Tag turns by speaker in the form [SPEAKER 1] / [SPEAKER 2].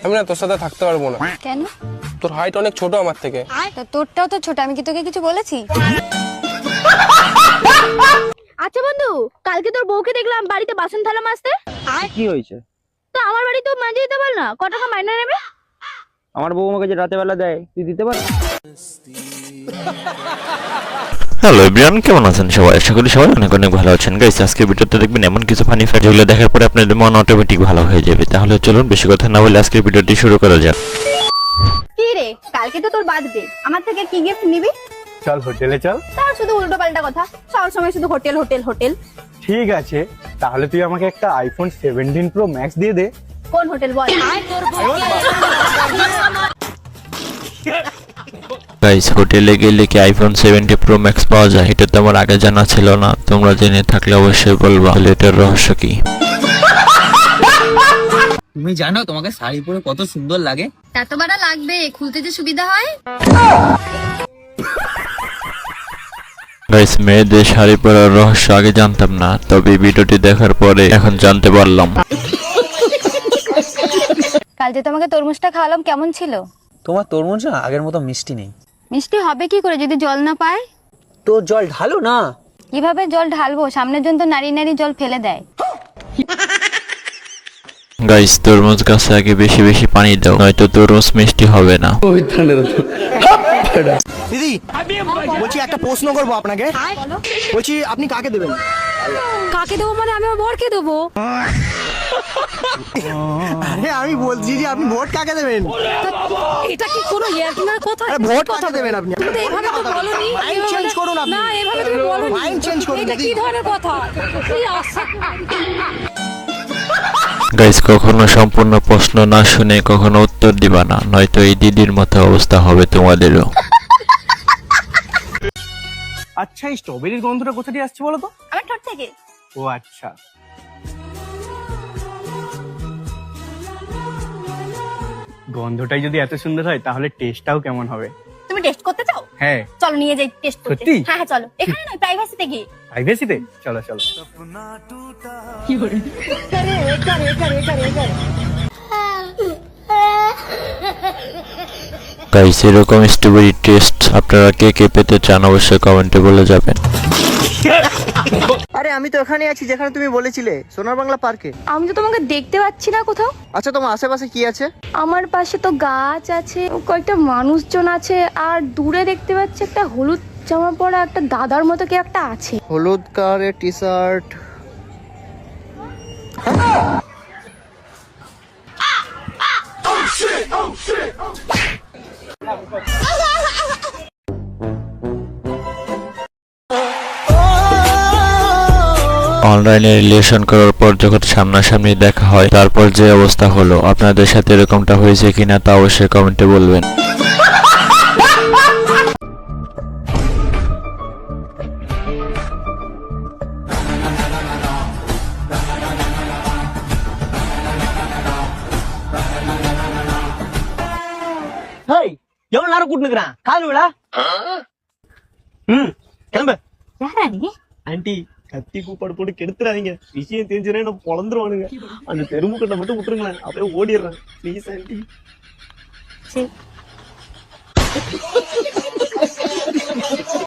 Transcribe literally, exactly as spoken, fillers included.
[SPEAKER 1] আমি না তোর সাথে থাকতে পারবো না।
[SPEAKER 2] কেন?
[SPEAKER 1] তোর হাইট অনেক ছোট আমার থেকে।
[SPEAKER 2] তা তোরটাও তো ছোট, আমি কি তোকে কিছু বলেছি?
[SPEAKER 3] আচ্ছা বন্ধু, কালকে তোর বউকে দেখলাম বাড়িতে বাসন থালা মাজতে।
[SPEAKER 4] কি হয়েছে?
[SPEAKER 3] তো আমার বাড়ি তো মাঝে দিতে পার না, কত টাকা মাইনে নেবে?
[SPEAKER 4] আমার বউ আমাকে যে রাতে বেলা দেয়, তুই দিতে পার?
[SPEAKER 5] হ্যালো এভরিওয়ান, কেমন আছেন সবাই? আশা করি সবাই অনেক অনেক ভালো আছেন। গাইস, আজকে ভিডিওতে দেখবেন এমন কিছু ফানি ফ্যাক্ট যেগুলো দেখার পরে আপনাদের মন অটোমেটিক ভালো হয়ে যাবে। তাহলে চলুন বেশি কথা না বলে আজকের ভিডিওটি শুরু করা যাক।
[SPEAKER 3] কি রে, কালকে তো তোর বার্থডে, আমার থেকে কি গিফট নিবি?
[SPEAKER 6] চল হোটেলে চল।
[SPEAKER 3] তার শুধু উল্টো পাল্টা কথা, সব সময় শুধু হোটেল হোটেল হোটেল।
[SPEAKER 6] ঠিক আছে, তাহলে তুই আমাকে একটা আইফোন সেভেন্টিন প্রো ম্যাক্স দিয়ে দে।
[SPEAKER 3] কোন হোটেল বল?
[SPEAKER 5] গাইস, হোটেলে গেলে কি আইফোন সেভেন্টি প্রো ম্যাক্স পাওয়া যায়? এটা তো আমার আগে জানা ছিল না। তোমরা জেনে থাকলে অবশ্যই বলবা। তাহলে এটার রহস্য কি?
[SPEAKER 7] তুমি জানো তোমাকে শাড়ি পরে কত সুন্দর লাগে?
[SPEAKER 2] এত বড় লাগবে, খুলতে যে সুবিধা হয়।
[SPEAKER 5] গাইস, মেয়েদের শাড়ি পরার রহস্য আগে জানতাম না, তবে ভিডিওটি দেখার পরে এখন জানতে পারলাম।
[SPEAKER 2] কাল যে তোমাকে তরমুজটা খাওয়ালাম, কেমন ছিল?
[SPEAKER 7] তোমার তরমুজ না আগের মতো মিষ্টি নেই।
[SPEAKER 2] মিষ্টি হবে কি করে যদি জল না পায়?
[SPEAKER 7] তো জল ঢালো না।
[SPEAKER 2] কিভাবে জল ঢালবো? সামনের জন তো নারী নারী জল ফেলে দেয়।
[SPEAKER 5] গাইস, তরমুজ গাছে আগে বেশি বেশি পানি দাও, নয়তো তরমুজ মিষ্টি হবে না।
[SPEAKER 8] দিদি বলছি একটা প্রশ্ন করবো আপনাকে। বলছি আপনি কাকে দেবেন?
[SPEAKER 3] কাকে দেবো মানে আমি আমার বরকে দেবো।
[SPEAKER 8] আরে আমি বলছি যে আপনি ভোট কাকে দেবেন?
[SPEAKER 3] এটা কি কোনো ইয়ার্কিনার কথা?
[SPEAKER 8] আরে ভোট কাকে দেবেন আপনি?
[SPEAKER 3] তুমি তো এইভাবে তো বলনি।
[SPEAKER 8] মাইন্ড চেঞ্জ করুন আপনি।
[SPEAKER 3] না, এইভাবে তুমি বলনি।
[SPEAKER 8] মাইন্ড চেঞ্জ করুন
[SPEAKER 3] এটা
[SPEAKER 8] দিদি।
[SPEAKER 3] কি ধরনের কথা? কি আশ্চর্য।
[SPEAKER 5] গাইস, কখনো সম্পূর্ণ প্রশ্ন না শুনে কখনো উত্তর দিবা না, নয়তো এই দিদির মতো অবস্থা হবে তোমাদেরও।
[SPEAKER 6] আচ্ছা, এই স্ট্রবেরির গন্ধটা কোথা দিয়ে আসছে বলো তো?
[SPEAKER 3] আমার ঠোঁট থেকে।
[SPEAKER 6] ও আচ্ছা, গন্ধটাই যদি এত সুন্দর হয় তাহলে টেস্টটাও কেমন হবে?
[SPEAKER 3] তুমি টেস্ট করতে চাও?
[SPEAKER 6] হ্যাঁ।
[SPEAKER 3] চলো নিয়ে যাই টেস্ট করতে।
[SPEAKER 6] সত্যি?
[SPEAKER 3] হ্যাঁ হ্যাঁ চলো, এখানে না, প্রাইভেসিতে গিয়ে।
[SPEAKER 6] প্রাইভেসিতে চলো চলো।
[SPEAKER 5] গাইস, এরকম স্ট্রবেরি টেস্ট আপনারা কে কে পেতে চান অবশ্যই কমেন্টে বলে যাবেন।
[SPEAKER 8] আরে আমি তো এখানে আছি যেখানে তুমি বলেছিলে, সোনার বাংলা পার্কে।
[SPEAKER 3] আমি তো তোমাকে দেখতে পাচ্ছি না কোথাও।
[SPEAKER 8] আচ্ছা, তোমার আশেপাশে কি আছে?
[SPEAKER 3] আমার পাশে তো গাছ আছে, কয়েকটা মানুষজন আছে, আর দূরে দেখতে পাচ্ছি একটা হলুদ জামা পরা একটা দাদার মতো কে একটা আছে।
[SPEAKER 8] হলুদ কালারের টি শার্ট।
[SPEAKER 5] অনলাইনে রিলেশন করার পর যখন সামনাসামনি দেখা হয়, তারপর যে অবস্থা হলো, আপনাদের সাথে এরকমটা হয়েছে কিনা তা অবশ্যই কমেন্টে বলবেন।
[SPEAKER 8] ஹேய், எவ்வளவு நேரம் கூட்டு நிக்கிறான்? கால் விடா. ம், கிளம்பு.
[SPEAKER 3] யாரா நீ?
[SPEAKER 8] ஆண்டி, கத்தி கூப்பாடு போட்டு கெடுத்துறாதீங்க. விஷயம் தெரிஞ்சுனா என்ன பொளந்துருவானுங்க. அந்த தெருமுக்கட்டை மட்டும் விட்டுருங்களேன், அப்படியே ஓடிடுறேன். Please aunty.
[SPEAKER 3] சரி.